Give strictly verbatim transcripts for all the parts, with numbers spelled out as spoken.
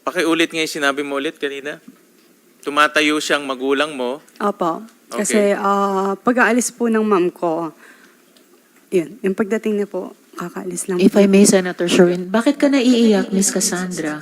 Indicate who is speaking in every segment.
Speaker 1: Pakiulit nga yung sinabi mo ulit kanina. Tumatayo siyang magulang mo.
Speaker 2: Opo.
Speaker 1: Okay.
Speaker 2: Kasi ah, pag-aalis po ng mom ko, yun, yung pagdating niya po, kakaalis lang
Speaker 3: If
Speaker 2: po.
Speaker 3: I may, Senator Sherwin, bakit ka naiiyak, Miss Cassandra?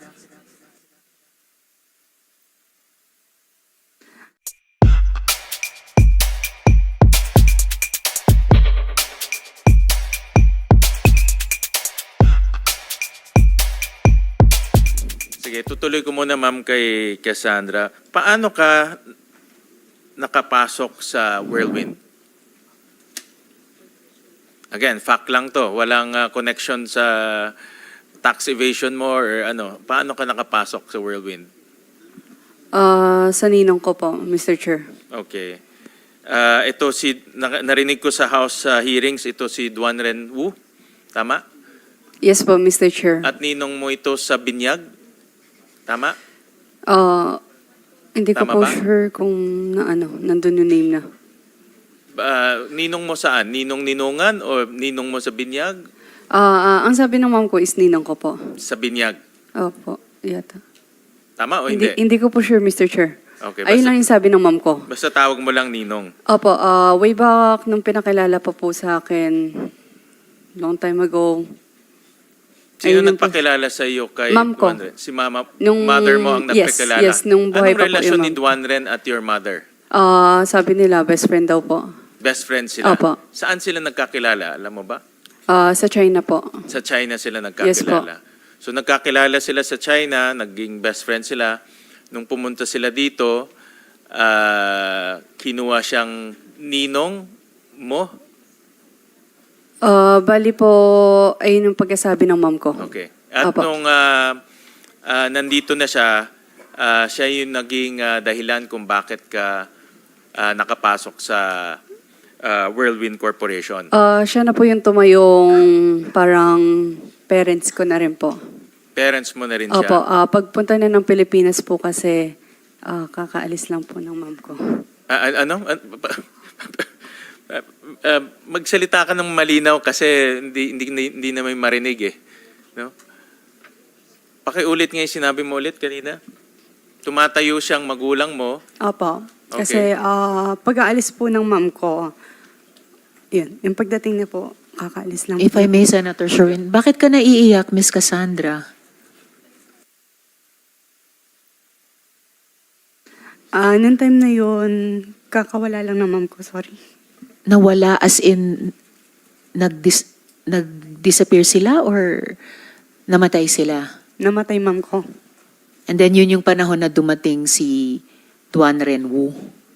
Speaker 1: Sige, tutuloy ko muna ma'am kay Cassandra. Paano ka nakapasok sa Whirlwind? Again, fact lang to. Walang uh, connection sa tax evasion mo or ano. Paano ka nakapasok sa Whirlwind?
Speaker 2: Ah, sa ninong ko po, Mister Chair.
Speaker 1: Okay. Uh, ito si, na- narinig ko sa House uh, hearings, ito si Duan Ren Wu. Tama?
Speaker 2: Yes po, Mister Chair.
Speaker 1: At ninong mo ito sa Binyag? Tama?
Speaker 2: Ah, hindi ko
Speaker 1: Tama
Speaker 2: po
Speaker 1: ba?
Speaker 2: sure kung na ano, nandun yung name na.
Speaker 1: Uh, ninong mo saan? Ninong Ninungan o ninong mo sa Binyag?
Speaker 2: Ah, ah, ang sabi ng mom ko is ninong ko po.
Speaker 1: Sa Binyag.
Speaker 2: Opo, yata.
Speaker 1: Tama o
Speaker 2: Hindi,
Speaker 1: hindi?
Speaker 2: hindi ko po sure, Mister Chair.
Speaker 1: Okay,
Speaker 2: Ayun
Speaker 1: basta,
Speaker 2: lang yung sabi ng mom ko.
Speaker 1: basta tawag mo lang ninong.
Speaker 2: Opo, ah, way back nung pinakilala pa po sa akin, long time ago.
Speaker 1: Sino
Speaker 2: Ayun yung po.
Speaker 1: nagpakilala sa iyo kay
Speaker 2: Ma'am ko.
Speaker 1: Duan Ren? Si mama,
Speaker 2: Nung-
Speaker 1: mother mo ang
Speaker 2: yes,
Speaker 1: nagpakilala?
Speaker 2: yes, nung buhay
Speaker 1: Anong
Speaker 2: pa po
Speaker 1: relasyon
Speaker 2: yung
Speaker 1: ni
Speaker 2: ma'am.
Speaker 1: Duan Ren at your mother?
Speaker 2: Ah, sabi nila, best friend daw po.
Speaker 1: Best friends sila?
Speaker 2: Opo.
Speaker 1: Saan sila nagkakilala? Alam mo ba?
Speaker 2: Ah, sa China po.
Speaker 1: Sa China sila
Speaker 2: Yes po.
Speaker 1: nagkakilala. So nagkakilala sila sa China, naging best friend sila. Nung pumunta sila dito, ah, kinuha siyang ninong mo.
Speaker 2: Ah, bali po, ayun yung pagkasabi ng mom ko.
Speaker 1: Okay. At
Speaker 2: Opo.
Speaker 1: nung ah, ah, nandito na siya, ah, siya yung naging ah, dahilan kung bakit ka ah, nakapasok sa ah, Whirlwind Corporation.
Speaker 2: Ah, siya na po yung tumayong parang parents ko na rin po.
Speaker 1: Parents mo na rin siya.
Speaker 2: Opo, ah, pagpunta na ng Pilipinas po kasi ah, kakaalis lang po ng mom ko.
Speaker 1: Ah, ah, ano? Ah, ah, ah, magsalita ka ng malinaw kasi hindi hindi hindi na may marinig eh. No? Pakiulit nga yung sinabi mo ulit kanina. Tumatayo siyang magulang mo.
Speaker 2: Opo,
Speaker 1: Okay.
Speaker 2: kasi ah, pag-aalis po ng mom ko, yun, yung pagdating niya po, kakaalis lang
Speaker 3: If
Speaker 2: po.
Speaker 3: I may, Senator Sherwin, bakit ka naiiyak, Miss Cassandra?
Speaker 2: Ah, nung time na yun, kakawala lang ng mom ko, sorry.
Speaker 3: Nawala as in nag-dis nag-disappear sila or namatay sila?
Speaker 2: Namatay mom ko.
Speaker 3: And then yun yung panahon na dumating si Duan Ren Wu.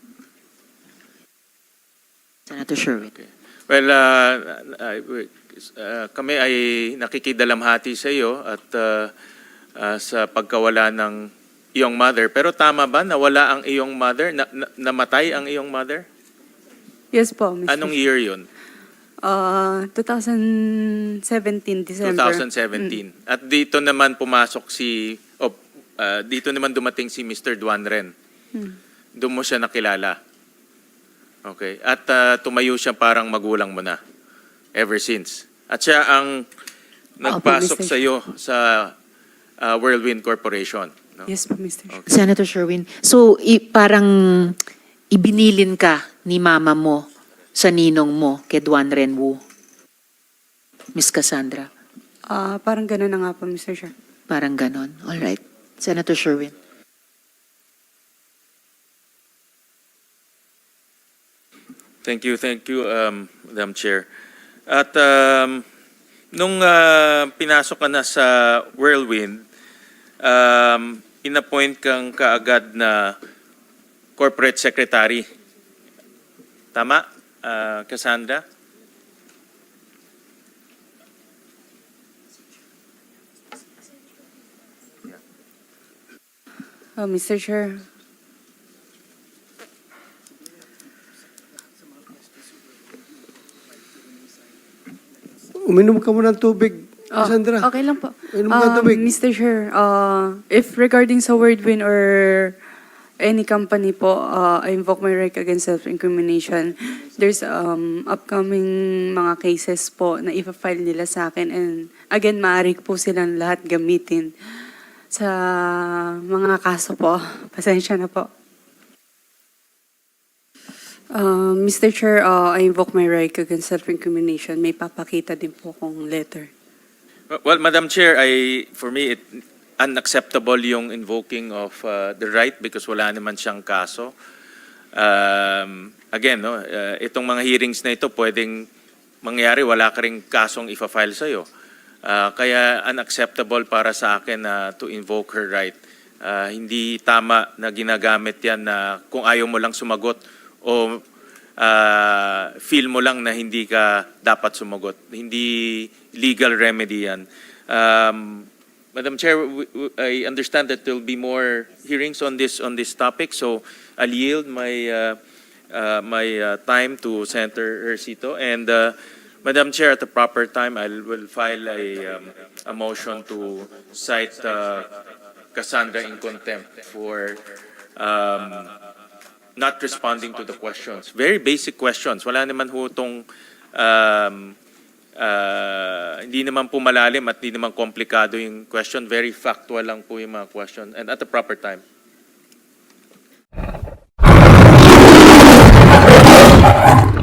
Speaker 3: Senator Sherwin.
Speaker 1: Okay. Well, uh, uh, uh, kami ay nakikidalamhati sa iyo at uh, uh, sa pagkawala ng iyong mother. Pero tama ba nawala ang iyong mother? Na, na- namatay ang iyong mother?
Speaker 2: Yes po, Mister
Speaker 1: Anong year yun?
Speaker 2: Ah, twenty seventeen, December.
Speaker 1: twenty seventeen. At dito naman pumasok si, oh, uh, dito naman dumating si Mister Duan Ren.
Speaker 2: Hmm.
Speaker 1: Doon mo siya nakilala. Okay. At uh, tumayo siya parang magulang mo na. Ever since. At siya ang nagpasok
Speaker 2: Mister
Speaker 1: sa iyo sa uh, Whirlwind Corporation. No?
Speaker 2: Yes po, Mister
Speaker 1: Okay.
Speaker 3: Senator Sherwin, so i- parang ibinilin ka ni mama mo sa ninong mo kay Duan Ren Wu. Miss Cassandra,
Speaker 2: Ah, parang gano'n na nga po, Mister Chair.
Speaker 3: parang ganon. All right. Senator Sherwin.
Speaker 1: Thank you, thank you, um, Madam Chair. At um, nung uh, pinasok ka na sa Whirlwind, um, inappoint kang kaagad na corporate secretary. Tama, uh, Cassandra?
Speaker 2: Oh, Mister Chair.
Speaker 4: Uminom ka muna ng tubig,
Speaker 2: Oh,
Speaker 4: Sandra.
Speaker 2: okay lang po.
Speaker 4: Uminom ka ng
Speaker 2: Um,
Speaker 4: tubig.
Speaker 2: Mister Chair, uh, if regarding sa Wordwin or any company po, uh, I invoke my right against self-incrimination. There's um, upcoming mga cases po na ipa-file nila sa akin and again, maaari po silang lahat gamitin Sa mga kaso po, pasensya na po. Uh, Mister Chair, uh, I invoke my right against self-incrimination. May papakita din po kong letter.
Speaker 1: Well, Madam Chair, I, for me, it unacceptable yung invoking of uh, the right because wala naman siyang kaso. Um, again, no, uh, itong mga hearings na ito pwedeng mangyari, wala ka ring kasong ifa-file sa'yo. Uh, kaya unacceptable para sa akin na to invoke her right. Uh, hindi tama na ginagamit yan na kung ayaw mo lang sumagot o uh, feel mo lang na hindi ka dapat sumagot. Hindi legal remedy yan. Um, Madam Chair, w- w- I understand that there will be more hearings on this on this topic, so I'll yield my uh, uh, my uh, time to Senator Ercito. And uh, Madam Chair, at the proper time, I will file a um, a motion to cite uh, Cassandra in contempt for um, not responding to the questions. Very basic questions. Wala naman ho itong, um, uh, hindi naman po malalim at hindi naman komplikado yung question. Very factual lang po yung mga question. And at the proper time.